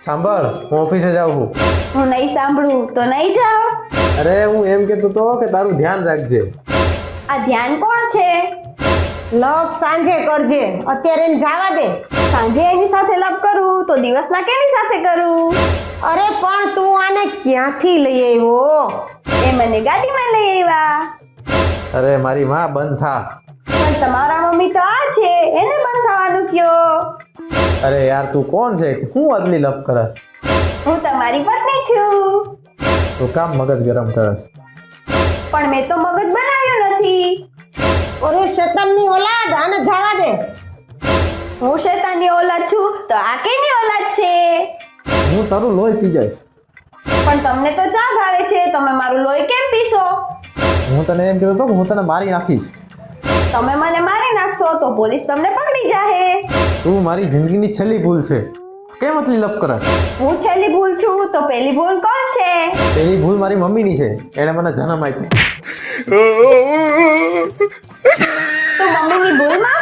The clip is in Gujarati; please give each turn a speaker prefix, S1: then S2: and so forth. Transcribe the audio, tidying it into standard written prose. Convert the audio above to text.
S1: સાંભળ, હું ઓફિસે જાઉં છું.
S2: હું નહીં સાંભળું તો નહીં જાઓ.
S1: અરે હું એમ કહેતો તો કે તારું ધ્યાન રાખજે.
S2: આ ધ્યાન કોણ છે?
S3: લવ સાંજે કરજે, અત્યારે એને જવા દે.
S2: સાંજે એની સાથે લપ કરું તો દિવસના કેની સાથે કરું?
S3: અરે પણ તું આને ક્યાંથી લઈ આવ્યો?
S2: એ મને ગાડીમાં લઈ આવ્યા.
S1: અરે મારી માં બંધ થા.
S2: પણ તમારા મમ્મી તો આ છે, એને બંધ થવાનું કયો.
S1: અરે યાર તું કોણ છે? હું આટલી લપ કરસ?
S2: હું તમારી પત્ની છું.
S1: તું કામ મગજ ગરમ કરસ?
S2: પણ મેં તો મગજ બનાવ્યું નથી.
S3: અરે શેતાનની ઓલાદ, આને જવા દે.
S2: હું શૈતાનની ઓલાદ છું તો આ કેની ઓલાદ છે?
S1: હું તારું લોહી પી જઈશ.
S2: પણ તમને તો ચા ભાવે છે, તમે મારું લોહી કેમ પીશો?
S1: હું તને એમ કહેતો હતો કે હું તને મારી નાખીશ.
S2: તમે મને મારી નાખશો તો પોલીસ તમને પકડી જાહે.
S1: તું મારી જિંદગીની છેલ્લી ભૂલ છે. કેમ આટલી લપ કરસ?
S2: હું છેલ્લી ભૂલ છું તો પહેલી ભૂલ કોણ છે?
S1: પેલી ભૂલ મારી મમ્મીની છે. એણે મને જન્મ આપ્યો.
S2: તો મમ્મીની ભૂલ માફ